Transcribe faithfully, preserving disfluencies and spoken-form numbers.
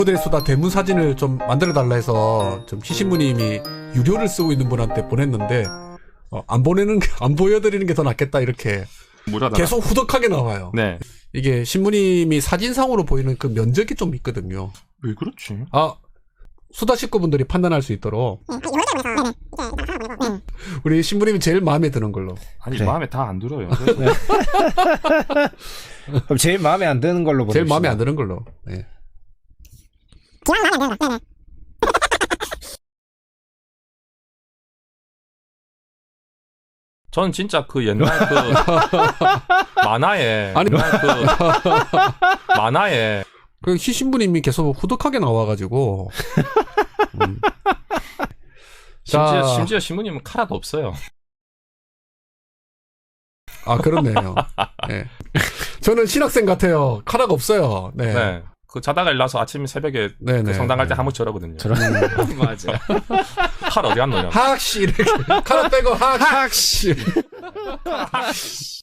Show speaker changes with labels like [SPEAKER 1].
[SPEAKER 1] 모델수다 대문 사진을 좀 만들어 달라 해서 좀 시신부님이 유료를 쓰고 있는 분한테 보냈는데 어, 안 보내는 게, 안 보여드리는 게 더 낫겠다 이렇게
[SPEAKER 2] 무료다.
[SPEAKER 1] 계속 후덕하게 나와요.
[SPEAKER 2] 네.
[SPEAKER 1] 이게 신부님이 사진상으로 보이는 그 면적이 좀 있거든요.
[SPEAKER 2] 왜 그렇지?
[SPEAKER 1] 아 수다 식구분들이 판단할 수 있도록 우리 신부님이 제일 마음에 드는 걸로.
[SPEAKER 2] 아니
[SPEAKER 3] 그래.
[SPEAKER 2] 마음에 다 안 들어요.
[SPEAKER 3] 그럼 제일 마음에 안 드는 걸로 보내주시죠.
[SPEAKER 1] 제일 마음에 안 드는 걸로. 네.
[SPEAKER 2] 전 진짜 그 옛날 그 만화에
[SPEAKER 1] 아니.
[SPEAKER 2] 옛날 그 만화에
[SPEAKER 1] 그 희신부님이 계속 후덕하게 나와가지고. 음.
[SPEAKER 2] 심지어
[SPEAKER 1] 자.
[SPEAKER 2] 심지어 신부님은 카라도 없어요.
[SPEAKER 1] 아 그렇네요. 네. 저는 신학생 같아요. 카라가 없어요. 네.
[SPEAKER 2] 네. 그 자다가 일어나서 아침 새벽에
[SPEAKER 1] 네네.
[SPEAKER 2] 그 성당 갈 때 한 번씩 저러거든요.
[SPEAKER 3] 맞아.
[SPEAKER 2] 칼 어디 갔노냐?
[SPEAKER 1] 학씨 이렇게 카라 빼고 학 학씨.